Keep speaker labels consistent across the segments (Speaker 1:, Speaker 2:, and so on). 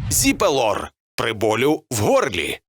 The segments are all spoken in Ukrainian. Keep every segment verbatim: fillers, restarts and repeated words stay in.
Speaker 1: Зіпелор при болю в горлі.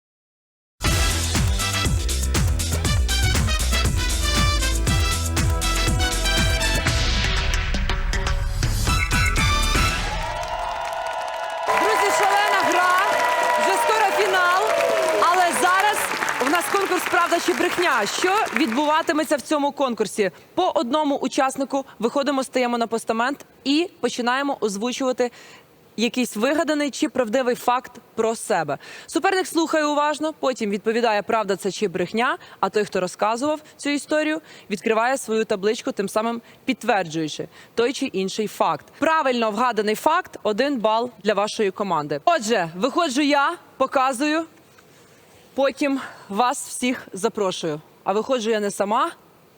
Speaker 2: Друзі, шалена гра, вже скоро фінал, але зараз у нас конкурс «Правда чи брехня». Що відбуватиметься в цьому конкурсі? По одному учаснику виходимо, стаємо на постамент і починаємо озвучувати якийсь вигаданий чи правдивий факт про себе. Суперник слухає уважно, потім відповідає, правда це чи брехня, а той, хто розказував цю історію, відкриває свою табличку, тим самим підтверджуючи той чи інший факт. Правильно вгаданий факт – один бал для вашої команди. Отже, виходжу я, показую, потім вас всіх запрошую. А виходжу я не сама.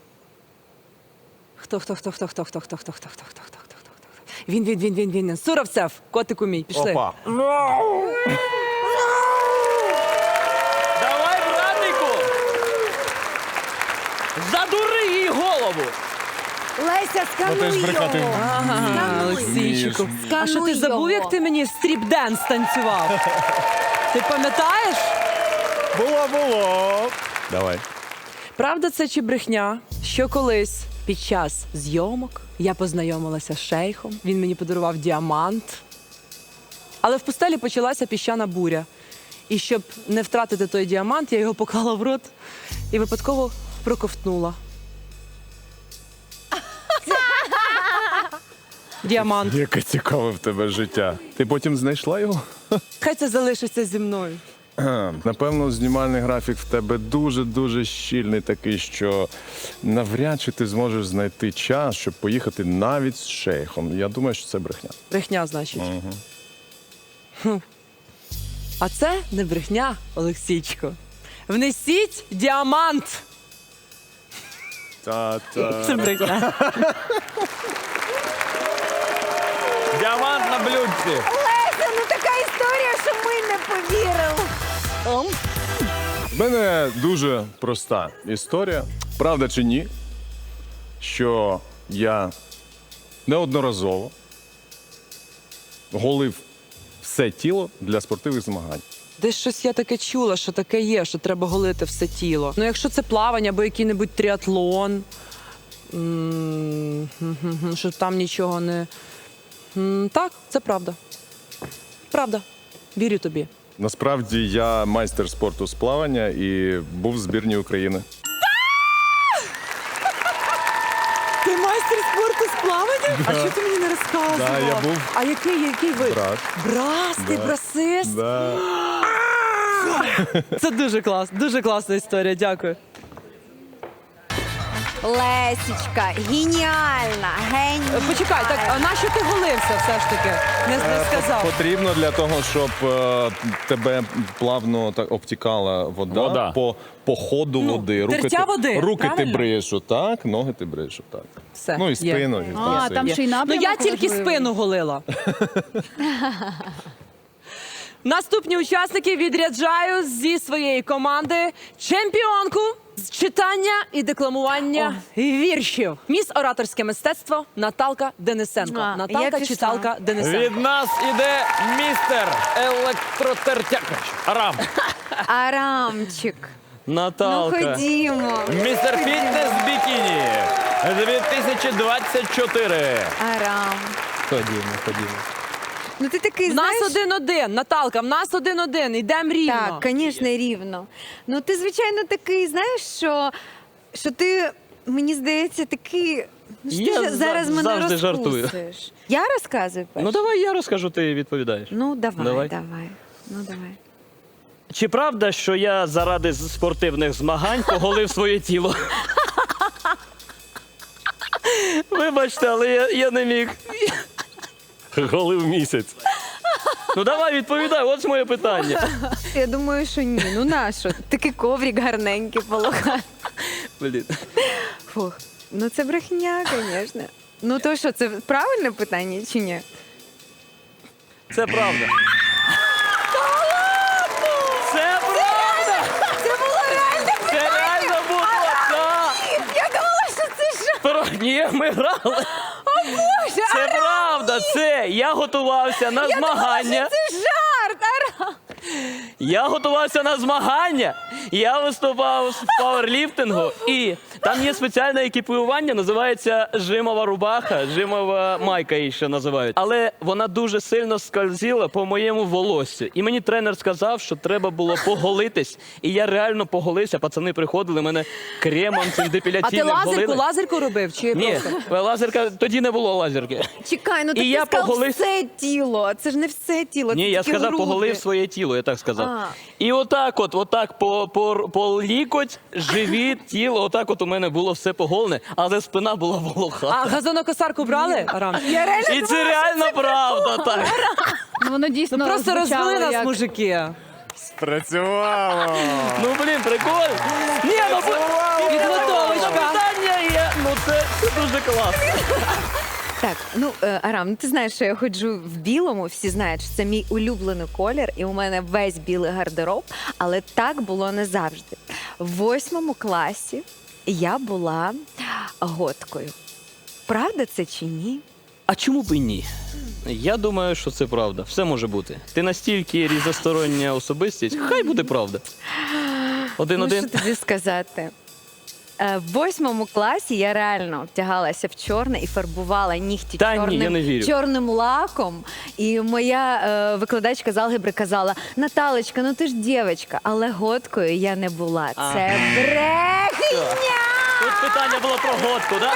Speaker 2: Хто, хто, хто, хто, хто, хто, хто, хто, хто, хто, хто, хто, хто, хто. Він, він, він, він, він. Суровцев, котику мій, пішли.
Speaker 3: Опа.
Speaker 4: Давай, братику! Задури їй голову!
Speaker 5: Леся,
Speaker 3: Ну, ти ж
Speaker 5: скануй
Speaker 3: брехати
Speaker 5: його.
Speaker 2: Ага, Олексійчику. А що ти
Speaker 5: Скануй
Speaker 2: забув,
Speaker 5: його.
Speaker 2: як ти мені стріп-денс танцював? Ти пам'ятаєш?
Speaker 3: Було, було. Давай.
Speaker 2: Правда це чи брехня, що колись під час зйомок я познайомилася з шейхом, він мені подарував діамант. Але в пустелі почалася піщана буря. І щоб не втратити той діамант, я його поклала в рот і випадково проковтнула. Діамант.
Speaker 3: Яке цікаве в тебе життя. Ти потім знайшла його?
Speaker 2: Хай це залишиться зі мною.
Speaker 3: Напевно, знімальний графік в тебе дуже-дуже щільний такий, що навряд чи ти зможеш знайти час, щоб поїхати навіть з шейхом. Я думаю, що це брехня.
Speaker 2: Брехня, значить. Хм. А це не брехня, Олексійчико. Внесіть діамант.
Speaker 3: Та-та.
Speaker 2: Це брехня.
Speaker 4: Діамант на блюдці!
Speaker 5: Леся, ну така історія, що ми не повірили.
Speaker 3: В мене дуже проста історія. Правда чи ні, що я неодноразово голив все тіло для спортивних змагань.
Speaker 2: Десь щось я таке чула, що таке є, що треба голити все тіло. Ну, якщо це плавання або який-небудь тріатлон, м, гм-гм-гм, що там нічого не... М, Так, це правда. Правда. Вірю тобі.
Speaker 3: Насправді я майстер спорту з плавання і був в збірній України.
Speaker 2: Ти майстер спорту з плавання? А що ти мені не розказував?
Speaker 3: Да, я був.
Speaker 2: А який, який вид?
Speaker 3: Брас.
Speaker 2: Брас, ти
Speaker 3: Да.
Speaker 2: брасист?
Speaker 3: Да.
Speaker 2: Це дуже клас, дуже класна історія, дякую.
Speaker 5: Лесічка, геніальна, геніальна.
Speaker 2: Почекай, так, а на що ти голився все ж таки? Не, не сказав.
Speaker 3: Потрібно для того, щоб е, тебе плавно так обтікала вода,
Speaker 4: Вода.
Speaker 3: По, по ходу
Speaker 2: Ну,
Speaker 3: води. Руки,
Speaker 2: тертя
Speaker 3: ти,
Speaker 2: води,
Speaker 3: руки ти
Speaker 2: правильно?
Speaker 3: бриєш отак, ноги ти бриєш отак.
Speaker 2: Все,
Speaker 3: Ну і
Speaker 2: є.
Speaker 3: спину. і
Speaker 5: А,
Speaker 3: все.
Speaker 5: там ще й
Speaker 2: Ну
Speaker 5: напрямок
Speaker 2: я тільки
Speaker 5: важливий.
Speaker 2: спину голила. Наступні учасники відряджаю зі своєї команди чемпіонку з читання і декламування віршів. Міс ораторське мистецтво Наталка Денисенко.
Speaker 5: А, я
Speaker 2: Наталка
Speaker 5: пішла.
Speaker 2: читалка Денисенко.
Speaker 4: Від нас іде містер електротертяк. Арам.
Speaker 5: Арамчик. Ну
Speaker 4: Наталка.
Speaker 5: ходімо.
Speaker 4: Містер Фітнес Бікіні. дві тисячі двадцять чотири.
Speaker 5: Арам.
Speaker 4: Ходімо, ходімо.
Speaker 5: Ну ти такий,
Speaker 2: В нас
Speaker 5: знаєш...
Speaker 2: один-один, Наталка, в нас один-один, йдемо рівно.
Speaker 5: Так, звісно, рівно. Ну ти, звичайно, такий, знаєш, що, що ти, мені здається, такий... Ну, що
Speaker 4: Я
Speaker 5: ти ж
Speaker 4: за-
Speaker 5: зараз мене
Speaker 4: завжди жартую.
Speaker 5: розкусиш. Я розказую перше?
Speaker 4: Ну давай я розкажу, ти відповідаєш.
Speaker 5: Ну, давай,
Speaker 4: Давай.
Speaker 5: давай. Ну, давай.
Speaker 4: Чи правда, що я заради спортивних змагань поголив своє тіло? Вибачте, але я, я не міг. Голив місяць. Ну давай відповідай, от моє питання.
Speaker 5: Я думаю, що ні. Ну нащо? Такий коврик гарненький полоха.
Speaker 4: Блін.
Speaker 5: Фух. Ну це брехня, звісно. Ну то що, це правильне питання чи ні?
Speaker 4: Це правда. Це правда!
Speaker 5: Це було реально
Speaker 4: Це реально було! Так!
Speaker 5: Я думала, що це що?
Speaker 4: Про- Ні, ми грали.
Speaker 5: Боже,
Speaker 4: Це правда, це я готувався на змагання.
Speaker 5: Це жарт, Арам!
Speaker 4: Я готувався на змагання. Я виступав в пауерліфтингу, і там є спеціальне екіпірування, називається жимова рубаха, жимова майка її ще називають. Але вона дуже сильно скользила по моєму волоссю. І мені тренер сказав, що треба було поголитись. І я реально поголився. Пацани приходили, мене кремом цим
Speaker 2: А ти
Speaker 4: депіляційним
Speaker 2: лазерку,
Speaker 4: голили.
Speaker 2: лазерку робив? Чи
Speaker 4: Ні,
Speaker 2: просто?
Speaker 4: лазерка, тоді не було лазерки.
Speaker 5: Чекай, ну
Speaker 4: І
Speaker 5: так
Speaker 4: я
Speaker 5: ти сказав
Speaker 4: поголив-
Speaker 5: все тіло. Це ж не все тіло,
Speaker 4: Ні,
Speaker 5: це
Speaker 4: я
Speaker 5: тільки
Speaker 4: сказав,
Speaker 5: груди.
Speaker 4: поголив своє тіло, я так сказав.
Speaker 5: А.
Speaker 4: І отак от, отак по, по, по лікоть, живіт, тіло, отак от у мене було все поголене, але спина була волоха.
Speaker 2: А газонокосарку брали, Арам?
Speaker 5: Я реально
Speaker 4: І це реально правда, так.
Speaker 6: Ну, воно дійсно
Speaker 2: Ну просто
Speaker 6: звучало
Speaker 2: розвели нас,
Speaker 6: як...
Speaker 2: мужики.
Speaker 3: Працювало!
Speaker 4: Ну, блін, прикольно. Ні, ну, бо-
Speaker 2: Підготовочка.
Speaker 4: Питання є, ну це, це дуже класно.
Speaker 5: Так, ну е, Арам, ну ти знаєш, що я ходжу в білому, всі знають, що це мій улюблений колір, і у мене весь білий гардероб, але так було не завжди. В восьмому класі я була готкою. Правда це чи ні?
Speaker 4: А чому б і ні? Я думаю, що це правда. Все може бути. Ти настільки різностороння особистість, хай буде правда.
Speaker 5: Ну,
Speaker 4: Один-один.
Speaker 5: що тобі сказати? Е, В восьмому класі я реально втягалася в чорне і фарбувала нігті
Speaker 4: Та ні,
Speaker 5: чорним,
Speaker 4: я не вірю.
Speaker 5: чорним лаком. І моя е, викладачка з алгебри казала: Наталочка, ну ти ж дівчинка, але готкою я не була. Це брехня!
Speaker 4: Тут питання було про годку, так?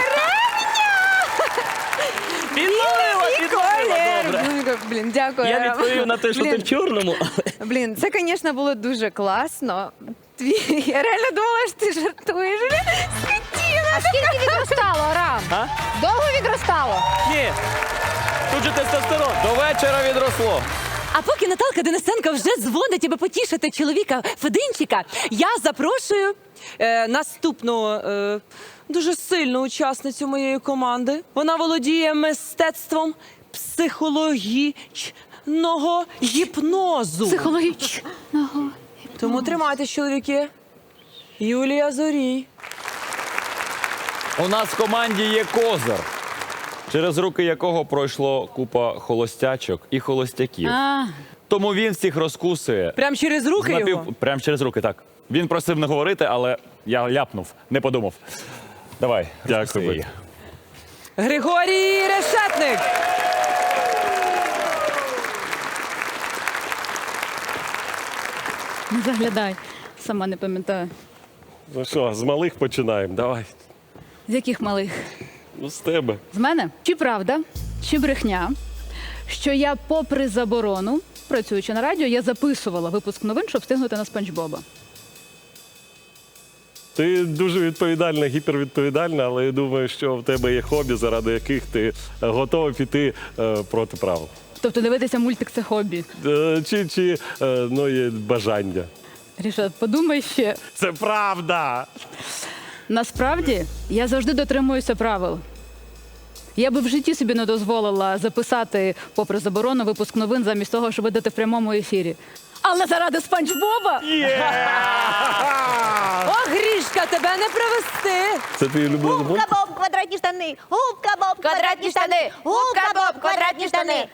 Speaker 4: Підловила, підловила, добре.
Speaker 5: Ну, блін, дякую.
Speaker 4: Я
Speaker 5: Арам.
Speaker 4: відповів на те, що ти
Speaker 5: Блін,
Speaker 4: в чорному.
Speaker 5: Блін, це, звісно, було дуже класно. Твій- Я реально думала, що ти жартуєш.
Speaker 6: А скільки відростало, Арам?
Speaker 4: А?
Speaker 6: Довго відростало?
Speaker 4: Ні. Тут же тестостерон.
Speaker 3: До вечора відросло.
Speaker 2: А поки Наталка Денисенко вже дзвонить, аби потішити чоловіка Фединчика, я запрошую е, наступну е, дуже сильну учасницю моєї команди. Вона володіє мистецтвом психологічного гіпнозу.
Speaker 6: Психологічного.
Speaker 2: Тому тримайтесь, чоловіки. Юлія Зорій.
Speaker 7: У нас в команді є козир, через руки якого пройшло купа холостячок і холостяків.
Speaker 6: А,
Speaker 7: Тому він всіх розкусує.
Speaker 2: Прям через руки
Speaker 7: Напів-
Speaker 2: його?
Speaker 7: Прям через руки, так. Він просив не говорити, але я ляпнув, не подумав. Давай, розкуси її.
Speaker 2: Григорій Решетник.
Speaker 6: не заглядай. Сама не пам'ятаю.
Speaker 8: Ну що, з малих починаємо, давай.
Speaker 6: З яких малих?
Speaker 8: Ну, з тебе.
Speaker 6: З мене? Чи правда, чи брехня, що я, попри заборону, працюючи на радіо, я записувала випуск новин, щоб встигнути на Спанч Боба.
Speaker 8: Ти дуже відповідальна, гіпервідповідальна, але я думаю, що в тебе є хобі, заради яких ти готова піти е, проти правил.
Speaker 6: Тобто дивитися мультик – це хобі.
Speaker 8: Е, чи чи е, ну, є бажання.
Speaker 6: Рішат, подумай ще.
Speaker 8: Це правда!
Speaker 6: Насправді, я завжди дотримуюся правил. Я би в житті собі не дозволила записати, попри заборону, випуск новин замість того, щоб видати в прямому ефірі. Але заради Спанч Боба
Speaker 2: О, Грішка, тебе не привезти.
Speaker 8: Це твій улюблений мультик?
Speaker 9: Губка Боб, квадратні штани. Губка Боб, квадратні штани. Губка Боб, квадратні штани.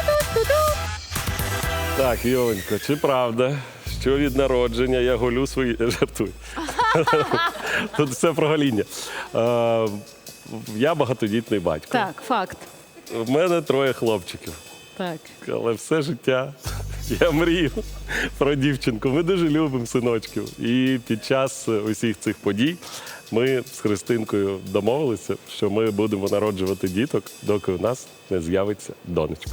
Speaker 8: Так, Йоленько, чи правда, що від народження я голю свої... Жартую. Тут все про гоління. Е, я багатодітний батько.
Speaker 6: Так, факт.
Speaker 8: В мене троє хлопчиків.
Speaker 6: Так.
Speaker 8: Але все життя я мрію про дівчинку. Ми дуже любимо синочків. І під час усіх цих подій ми з Христинкою домовилися, що ми будемо народжувати діток, доки у нас не з'явиться донечка.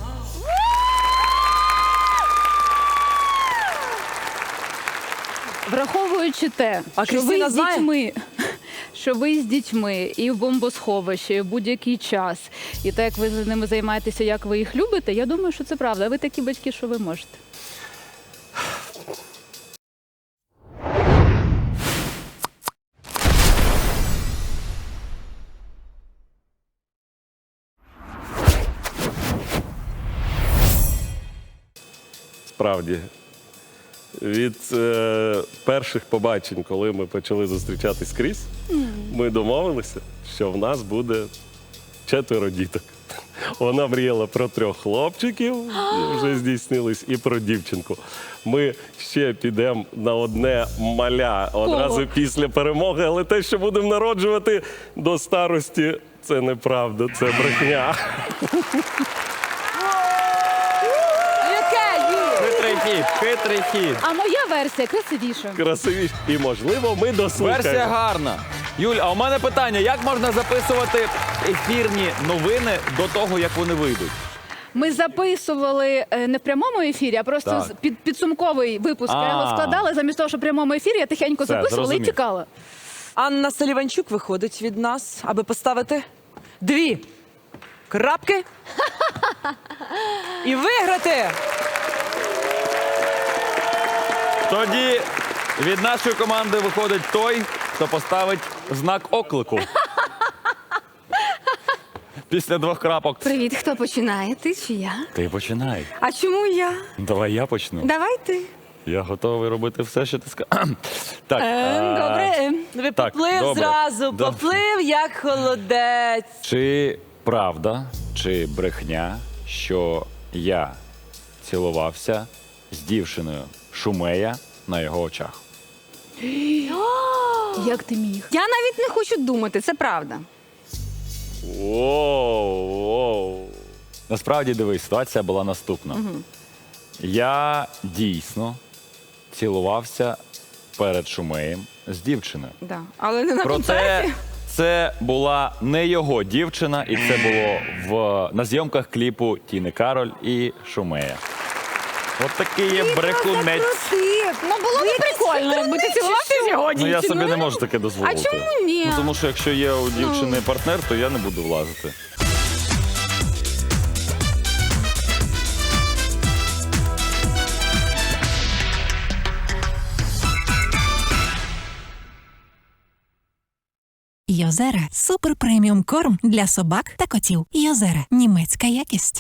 Speaker 6: Враховуючи те,
Speaker 2: А
Speaker 6: що ви
Speaker 2: Крістіна
Speaker 6: з
Speaker 2: знає?
Speaker 6: дітьми, що ви з дітьми і в бомбосховищі і в будь-який час, і те, як ви з ними займаєтеся, як ви їх любите, я думаю, що це правда. Ви такі батьки, що ви можете.
Speaker 8: Справді, від е, перших побачень, коли ми почали зустрічатись скрізь, ми домовилися, що в нас буде четверо діток. Вона мріяла про трьох хлопчиків, вже здійснились, і про дівчинку. Ми ще підемо на одне маля одразу після перемоги, але те, що будемо народжувати до старості, це неправда, це брехня.
Speaker 2: Яке Юль?
Speaker 7: Хитрий хід, хитрий хід.
Speaker 6: А моя версія красивіша.
Speaker 8: Красивіше. І, можливо, ми дослухаємо.
Speaker 7: Версія гарна. Юль, а у мене питання: як можна записувати ефірні новини до того, як вони вийдуть?
Speaker 6: Ми записували е, не в прямому ефірі, а просто
Speaker 7: Так.
Speaker 6: з- під, підсумковий випуск. Я його
Speaker 7: А.
Speaker 6: складала, замість того, що в прямому ефірі я тихенько
Speaker 7: Все,
Speaker 6: записувала
Speaker 7: зрозумів.
Speaker 6: і тікала.
Speaker 2: Анна Саліванчук виходить від нас, аби поставити дві крапки і виграти.
Speaker 7: Тоді від нашої команди виходить той, хто поставить знак оклику. Після двох крапок.
Speaker 5: Привіт, хто починає? Ти чи я?
Speaker 7: Ти починай.
Speaker 5: А чому я?
Speaker 7: Давай я почну.
Speaker 5: Давай ти.
Speaker 7: Я готовий робити все, що ти скажеш. Так.
Speaker 5: Ем,
Speaker 7: а,
Speaker 5: добре. ем.
Speaker 2: Ви
Speaker 7: Так,
Speaker 2: поплив
Speaker 7: добре.
Speaker 2: зразу,
Speaker 7: Добре.
Speaker 2: поплив як холодець.
Speaker 7: Чи правда, чи брехня, що я цілувався з дівчиною Шумея на його очах?
Speaker 6: Як ти міг?
Speaker 5: Я навіть не хочу думати, це правда.
Speaker 8: Воу, воу.
Speaker 7: Насправді, дивись, ситуація була наступна. Я дійсно цілувався перед Шумеєм з дівчиною.
Speaker 5: Да. Але не на
Speaker 7: Проте
Speaker 5: концерті.
Speaker 7: це була не його дівчина, і це було в, на зйомках кліпу Тіни Кароль і Шумея. От такий є брехунець.
Speaker 5: Ну було б прикольно, якби ти цілувався з його
Speaker 7: Ну я собі
Speaker 5: дівчиною.
Speaker 7: не можу таке дозволити.
Speaker 5: А чому ні?
Speaker 7: Ну, тому що якщо є у дівчини партнер, то я не буду влазити.
Speaker 10: Йозера – супер преміум корм для собак та котів. Йозера – німецька якість.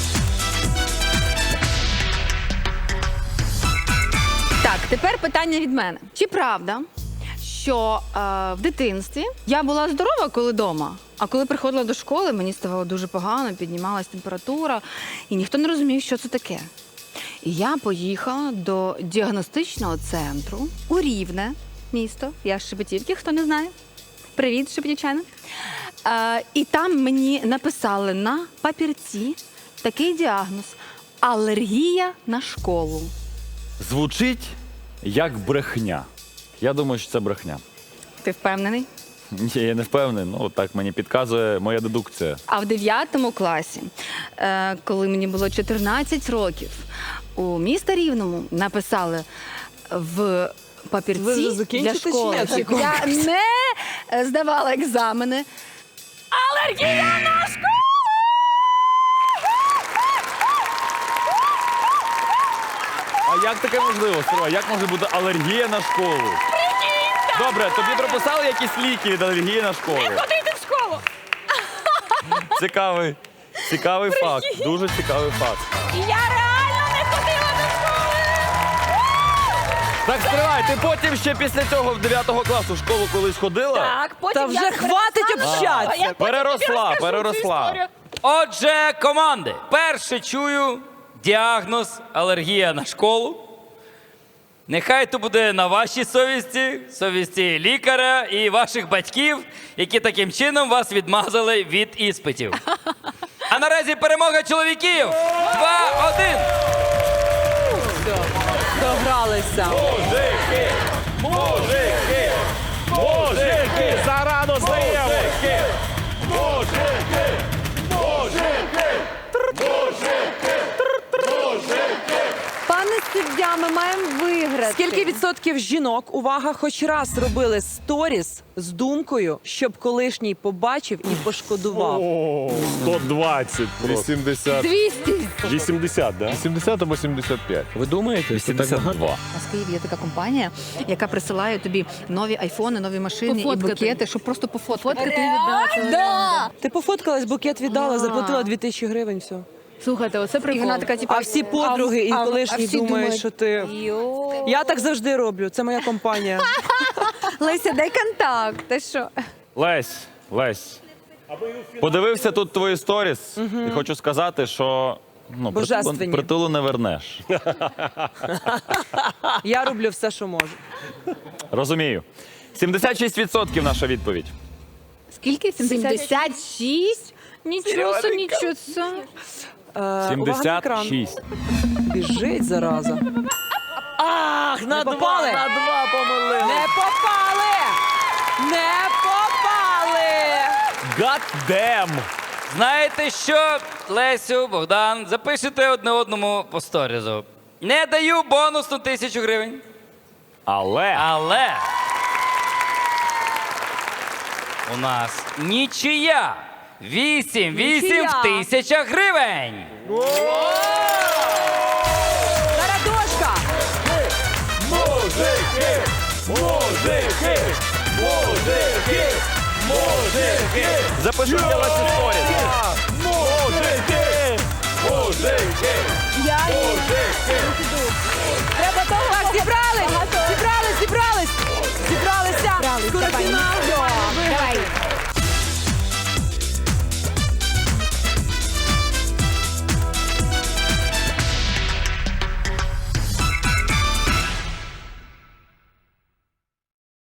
Speaker 5: Так, тепер питання від мене. Чи правда, що е, в дитинстві я була здорова, коли вдома, а коли приходила до школи, мені ставало дуже погано, піднімалась температура, і ніхто не розумів, що це таке. І я поїхала до діагностичного центру у Рівне, місто, я з Шепетівки, хто не знає. Привіт, Шепетівчани. Е, і там мені написали на папірці такий діагноз – алергія на школу.
Speaker 7: Звучить як брехня. Я думаю, що це брехня.
Speaker 5: Ти впевнений?
Speaker 7: Ні, я не впевнений. Ну, так мені підказує моя дедукція.
Speaker 5: А в дев'ятому класі, е, коли мені було чотирнадцять років, у міста Рівному написали в папірці
Speaker 2: Ви вже
Speaker 5: для
Speaker 2: закінчите чи
Speaker 5: школи,
Speaker 2: ні цей
Speaker 5: щоб я не е, здавала екзамени. Алергія на школу!
Speaker 7: А як таке можливо, Сергій? Як може бути алергія на школу? Добре, тобі прописали якісь ліки від алергії на школу? Не
Speaker 5: ходити в школу!
Speaker 7: Цікавий, цікавий факт. Дуже цікавий факт.
Speaker 5: Я реально не ходила до школи!
Speaker 7: Так, стривай, ти потім ще після цього в дев'ятого класу в школу колись ходила?
Speaker 5: Так, потім
Speaker 2: Та вже
Speaker 5: я
Speaker 2: хватить
Speaker 5: перестала,
Speaker 2: общатися.
Speaker 5: а я потім
Speaker 7: Переросла,
Speaker 5: тобі розкажу цю
Speaker 7: переросла.
Speaker 5: історію.
Speaker 11: Отже, команди, перше чую діагноз алергія на школу. Нехай то буде на вашій совісті, совісті лікаря і ваших батьків, які таким чином вас відмазали від іспитів. А наразі перемога чоловіків. два-один.
Speaker 2: Догралися.
Speaker 8: Мужики! Мужики! Мужики! Зарано здаємо! Мужики! Мужики! Мужики!
Speaker 5: Пане суддя, ми маємо виграти.
Speaker 2: Скільки відсотків жінок, увага, хоч раз робили сторіс з думкою, щоб колишній побачив і пошкодував?
Speaker 8: О, сто двадцять просто.
Speaker 3: вісімдесят.
Speaker 5: двісті.
Speaker 8: вісімдесят, да?
Speaker 3: вісімдесят або сімдесят п'ять.
Speaker 7: Ви думаєте? вісімдесят два.
Speaker 5: У нас в Києві є така компанія, яка присилає тобі нові айфони, нові машини і
Speaker 6: Пофоткати.
Speaker 5: букети, щоб просто пофоткати.
Speaker 6: Фоткати і віддати.
Speaker 5: Да!
Speaker 2: Ти пофоткалась, букет віддала, заплатила дві тисячі гривень, все.
Speaker 6: Слухайте, оце
Speaker 5: І
Speaker 6: прикол.
Speaker 5: вона така, типу,
Speaker 2: А всі подруги і
Speaker 5: а-
Speaker 2: колишні
Speaker 5: а всі
Speaker 2: думають, що ти...
Speaker 5: Йо.
Speaker 2: Я так завжди роблю, це моя компанія.
Speaker 5: Леся, дай контакт. Ти що?
Speaker 7: Лесь, Лесь, Подивився тут твої сторіс і хочу сказати, що ну, притулу,
Speaker 2: Божественні.
Speaker 7: притулу не вернеш.
Speaker 2: Я роблю все, що можу.
Speaker 7: Розумію. сімдесят шість відсотків наша відповідь.
Speaker 6: Скільки?
Speaker 5: сімдесят шість? Нічого собі, нічого собі.
Speaker 2: Е, увага на
Speaker 7: сімдесят
Speaker 2: екран.
Speaker 7: шість.
Speaker 2: Біжить, зараза.
Speaker 4: Ах, на два,
Speaker 2: попали.
Speaker 4: на два помилили.
Speaker 2: Не попали! Не попали!
Speaker 7: God damn!
Speaker 11: Знаєте що, Лесю, Богдан, запишете одне одному по сторізу. Не даю бонусну тисячу гривень.
Speaker 7: Але
Speaker 11: Але у нас нічия. Вісім, вісім
Speaker 2: Нічия.
Speaker 11: в тисячах гривень.
Speaker 2: Тарадошка!
Speaker 7: запишіть ваші сторіс.
Speaker 2: Я